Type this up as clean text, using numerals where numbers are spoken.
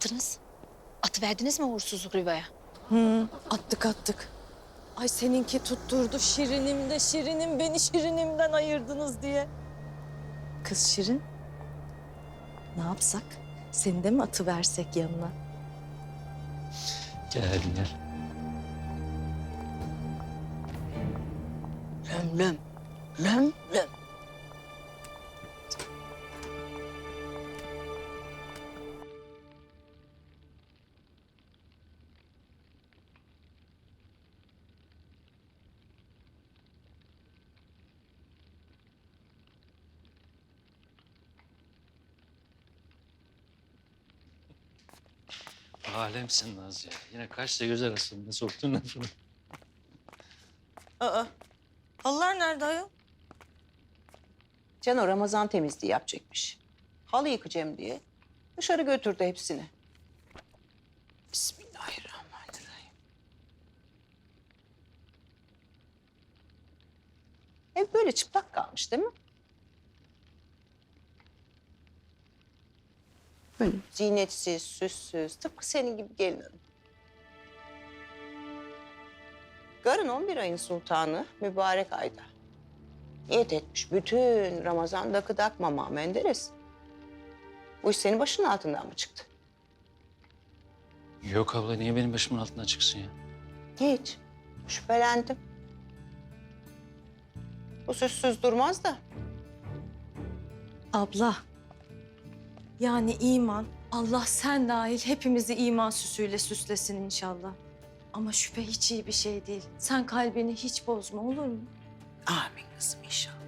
yaptınız? Atıverdiniz mi uğursuzluk Riva'ya? Attık. Ay seninki tutturdu Şirinim de Şirinim beni Şirinimden ayırdınız diye. Kız Şirin, ne yapsak? Seni de mi atıversek yanına? Gel. Löm. Löm. Alemsin Naz ya. Yine kaşla göz arasında soktun lafını. Aa, halılar nerede ayol? Cano Ramazan temizliği yapacakmış. Halı yıkacağım diye dışarı götürdü hepsini. Bismillahirrahmanirrahim. Ev böyle çıplak kalmış değil mi? Böyle ziynetsiz, süssüz, tıpkı senin gibi gelin hanım. Garın 11 ayın sultanı mübarek ayda. Niyet etmiş bütün Ramazan dakı dakmama Menderes. Bu iş senin başının altından mı çıktı? Yok abla niye benim başımın altından çıksın ya? Hiç. Şüphelendim. Bu süssüz durmaz da. Abla, yani iman, Allah sen dahil hepimizi iman süsüyle süslesin inşallah. Ama şüphe hiç iyi bir şey değil. Sen kalbini hiç bozma olur mu? Amin kızım inşallah.